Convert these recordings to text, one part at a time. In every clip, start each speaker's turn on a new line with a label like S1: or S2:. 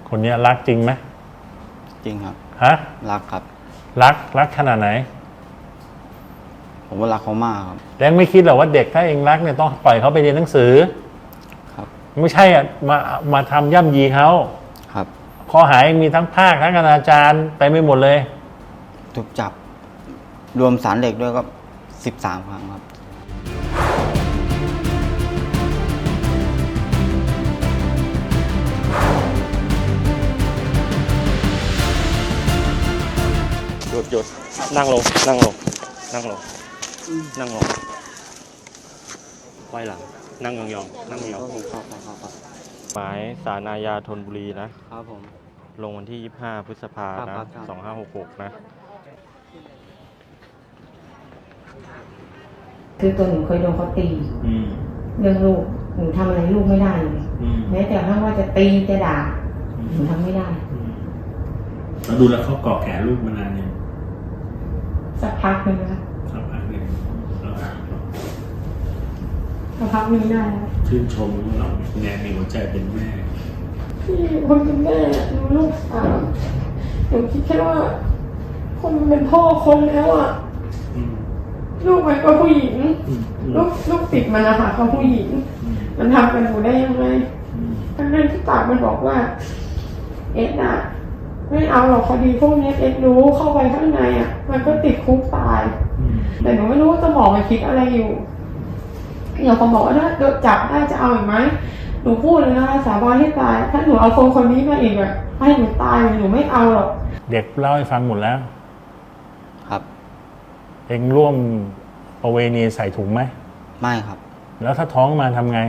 S1: คนนี้รักจริงไหม
S2: จริงครับ
S1: ฮะ
S2: รักครับ
S1: รักขนาดไหน
S2: ผมว่ารักเขามากครับ
S1: แล้วไม่คิดหรอว่าเด็กถ้าเองรักเนี่ยต้องปล่อยเขาไปเรียนหนังสือ
S2: ครับ
S1: ไม่ใช่อ่ะมาทำย่ำยีเขา
S2: ครับ
S1: ข้อหาเองมีทั้งภาคทั้งอนาจารไปไม่หมดเลย
S2: ถูกจับรวมสารเหล็กด้วยก็13 ครั้งครับ
S3: หยุดนั่งลงไขว้หลังนั่งยองหมายศาลอาญาธนบุรีนะครับ
S2: ผม
S3: ลงวันที่25 พฤษภาคมนะ2566นะ
S4: คือตัวหนูเคยโดนเขาตีเรื่องลูกหนูทำอะไรลูกไม่ได้เลยแม้แต่ถ้าว่าจะตีจะด่าหนูทำไม่ได้
S1: เราดูแล้วเขาเกาะแขนลูกมานานยัง
S4: สักพักหนึ่งนะ
S1: สักพักหนึ่ง
S4: สักพักหนึ่งได้
S1: ชื่นชมเราแนนมีหัวใจเป็นแม่
S4: พี่คนเป็นแม่หนูลูกสาวหนูคิดแค่ว่าคนเป็นพ่อคนแล้วอ่ะลูกมันก็ผู้หญิงลูกติดมันนะคะเขาผู้หญิงมันทำกันหนูได้ยังไงทั้งนั้นที่ปากมันบอกว่าเอ็ดน่ะไม่เอาหรอกคดีพวกนี้เอ็ดรู้เข้าไปข้างในอ่ะมันก็ติดคุกตายแต่หนูไม่รู้ว่าสมองมันคิดอะไรอยู่อย่างเขาบอกว่าถ้าโดนจับได้จะเอาอีกไหมหนูพูดเลยนะสาบานให้ตายถ้าหนูเอาคนนี้มาอีกอ่ะให้หนูตายหนูไม่เอาหรอก
S1: เด็กเล่าให้ฟังหมดแล้ว
S2: ครับ
S1: เองร่วมประเวณีใส่ถุงไหม
S2: ไม่ครับ
S1: แล้วถ้าท้องมาทำไง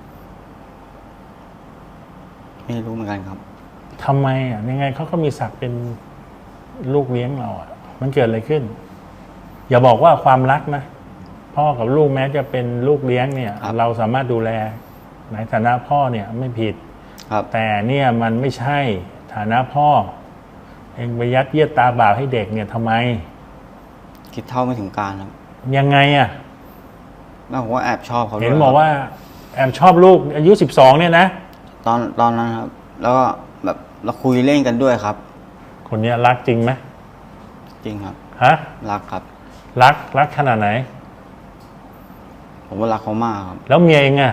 S2: ไม่รู้เหมือนกันครับ
S1: ทำไมอ่ะยังไงเขาก็มีศักดิ์เป็นลูกเลี้ยงเราอ่ะมันเกิดอะไรขึ้นอย่าบอกว่าความรักนะพ่อกับลูกแม้จะเป็นลูกเลี้ยงเนี่ยเราสามารถดูแลในฐานะพ่อเนี่ยไม่ผิดแต่เนี่ยมันไม่ใช่ฐานะพ่อเองไปยัดเยียดตาบาปให้เด็กเนี่ยทำไม
S2: คิดเท่าไม่ถึงการครับ
S1: ยังไงอ่ะ
S2: แม่ผมว่าแอบชอบเขา
S1: เห็นบอกว่าแอบชอบลูกอายุ12เนี่ยนะ
S2: ตอนนั้นครับแล้วก็แบบเราคุยเล่นกันด้วยครับ
S1: คนนี้รักจริงไหม
S2: จริงครับ
S1: ฮะ
S2: รักครับ
S1: รักขนาดไหน
S2: ผมว่ารักเขามากครับ
S1: แล้วเมียเองอ่ะ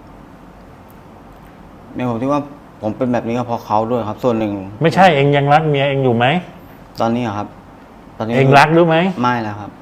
S2: เมียผมที่ว่าผมเป็นแบบนี้ก็เพราะเขาด้วยครับส่วนหนึ่ง
S1: ไม่ใช่เองยังรักเมียเองอยู่ไหม
S2: ตอนนี้ครับตอนนี้
S1: เองรักหรือไหม
S2: ไม่แล้วครับ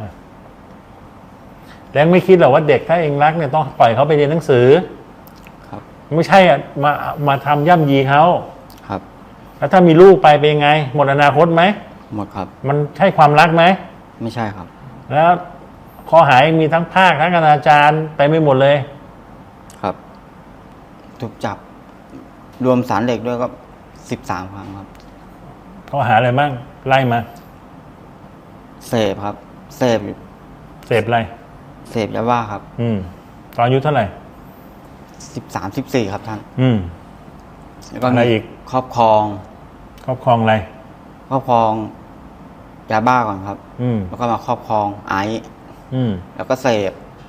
S1: แล้วไม่คิดหรอว่าเด็กถ้าเองรักเนี่ยต้องปล่อยเขาไปเรียนหนังสือ
S2: ครับ
S1: ไม่ใช่อ่ะมาทำย่ำยีเขา
S2: ครับ
S1: แล้วถ้ามีลูกไปเป็นยังไงหมดอนาคตไหม
S2: หมดครับ
S1: มันใช่ความรักไหม
S2: ไม่ใช่ครับ
S1: แล้วข้อหามีทั้งภาคทั้งอนาจารไปไม่หมดเลย
S2: ครับถูกจับรวมสารเหล็กด้วยก็13 ครั้งครับ
S1: ข้อหาอะไรบ้างไล่มา
S2: เสพครับเสพ
S1: อะไร
S2: เสพยาบ้าครับ
S1: ตอนอายุเท่าไหร่
S2: 13-14ครับท่านแล้วก็
S1: อะไรอีก
S2: ครอบครอง
S1: อะไร
S2: ครอบครองยาบ้าก่อนครับแล้วก็มาครอบครองไอซ์แล้วก็เสพ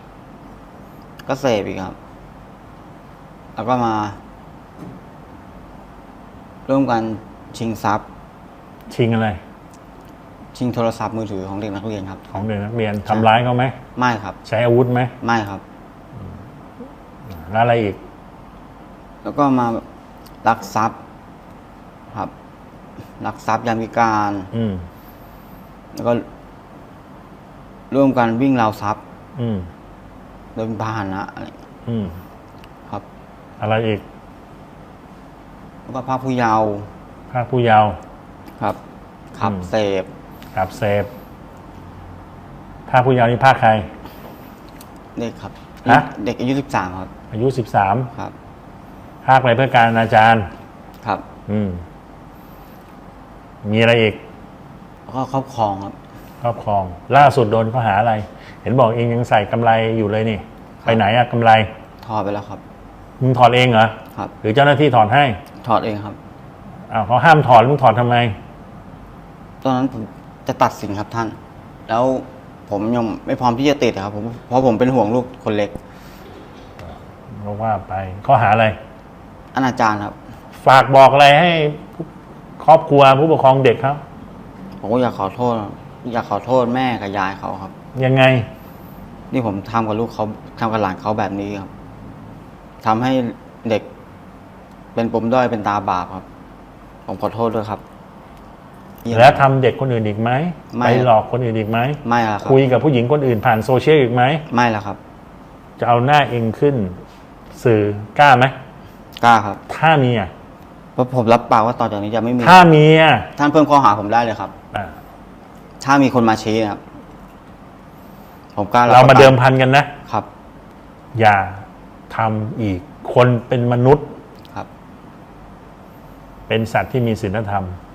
S2: อีกครับแล้วก็มาร่วมกันชิงทรัพย์
S1: ชิงอะไร
S2: ชิงโทรศัพท์มือถือของเด็กนักเรียนครับ
S1: ของเด็กนักเรียนทำร้ายเขาไหม
S2: ไม่ครับ
S1: ใช้อาวุธไหม
S2: ไม่ครับ
S1: แล้วอะไรอีก
S2: แล้วก็มาลักทรัพย์ครับลักทรัพย์ยามวิการแล้วก็ร่วมกันวิ่งราวทรัพย์โดยพาหนะอะไรครับ
S1: อะไรอีก
S2: แล้วก็ภาคผู้เยาว์ครับขับเสพ
S1: ภาคผู้เยาว์นี่ภาคใคร
S2: เด็กครับเด็กอายุ13ครับ
S1: อายุ13
S2: ครับ
S1: ภาคอะไรเพื่อการอนาจาร
S2: ครับ
S1: มีอะไรอีก
S2: ก็ครอบครองครับ
S1: ครอบครองล่าสุดโดนข้อหาอะไรเห็นบอกเองยังใส่กำไรอยู่เลยนี่ไปไหนอะกำไร
S2: ถอดไปแล้วครับ
S1: มึงถอดเองเหรอ
S2: ครับ
S1: หรือเจ้าหน้าที่ถอดให้
S2: ถอดเองครับ
S1: เขาห้ามถอดมึงถอดทำไม
S2: ตอนนั้นผมจะตัดสินครับท่านแล้วผมยังไม่พร้อมที่จะติดครับเพราะผมเป็นห่วงลูกคนเล็ก
S1: เพราะว่าไปข้อหาอะไร
S2: อนาจารครับ
S1: ฝากบอกอะไรให้ครอบครัวผู้ปกครองเด็กครับ
S2: ผมก็อยากขอโทษแม่กับยายเขาครับ
S1: ยังไง
S2: นี่ผมทำกับลูกเขาทำกับหลานเขาแบบนี้ครับทำให้เด็กเป็นปมด้อยเป็นตาบาปครับ ผมขอโทษด้วยครับ
S1: แล้วทำเด็กคนอื่นอีกไหม
S2: ไม่
S1: ไปหลอกคนอื่นอีกไหม
S2: ไม่ละครับ
S1: คุยกับผู้หญิงคนอื่นผ่านโซเชียลอีกไหม
S2: ไม่ละครับ
S1: จะเอาหน้าเองขึ้น สื่อกล้าไหม
S2: กล้าครับ
S1: ถ้ามีอ่ะ
S2: เพราะผมรับปากว่าต่อจากนี้จะไม่มี
S1: ถ้ามีอ่ะ
S2: ท่านเพิ่มข้อหาผมได้เลยครับ
S1: อ่ะ
S2: ถ้ามีคนมาชี้นะครับ ผมกล้า
S1: เรา
S2: ป
S1: มา
S2: ระกัน
S1: เดิมพันกันนะ
S2: ครับ
S1: อย่าทำอีก คนเป็นมนุษย์
S2: ครับ
S1: เป็นสัตว์ที่มีศีลธรรม